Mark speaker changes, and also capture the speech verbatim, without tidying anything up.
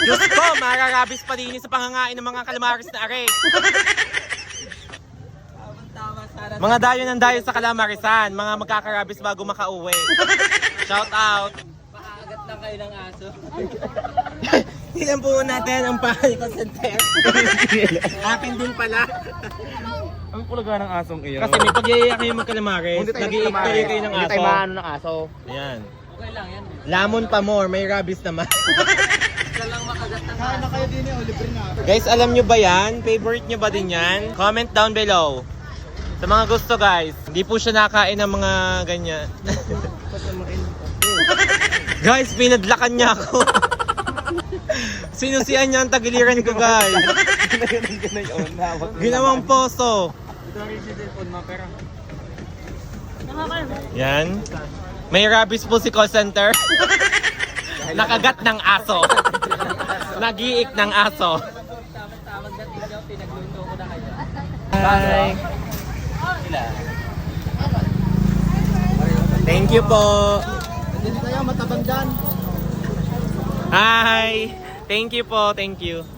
Speaker 1: Diyos ko, mararabis pa din sa pangangain ng mga calamares na are. Mga dayo ng dayo sa Calamarisan, mga magkakarabis bago makauwi. Shout out.
Speaker 2: Paagat lang kayo ng aso.
Speaker 1: Tingnan po natin ang pahay ko center. Akin din pala.
Speaker 3: Ang pulaga ng asong iyo.
Speaker 1: Kasi may pag-iiyak kayo mag-calamares, nag-iiktoy kayo ng
Speaker 3: Hindi
Speaker 1: aso.
Speaker 3: tayo maano ng aso.
Speaker 1: Ayan.
Speaker 2: Okay lang yan.
Speaker 1: Lamon pa more, may rabies naman.
Speaker 2: Basta lang makagat ng
Speaker 4: Kain na
Speaker 2: aso.
Speaker 4: kayo din eh, libre na.
Speaker 1: Guys, alam nyo ba yan? Favorite nyo ba din yan? Comment down below. Sa mga gusto guys, hindi po siya nakain ng mga ganyan. Guys, pinadlakan niya ako. Sinusian niya ang tagiliran ko guys. Ginawang poso. Yan. May rabies po si call center. Nakagat ng aso. Nagiik ng aso.
Speaker 2: Tawag na tingnan, pinagluto ko na kayo.
Speaker 1: Hi. Thank you po.
Speaker 4: Hindi kayo matabang dyan.
Speaker 1: Hi. Thank you po. Thank you.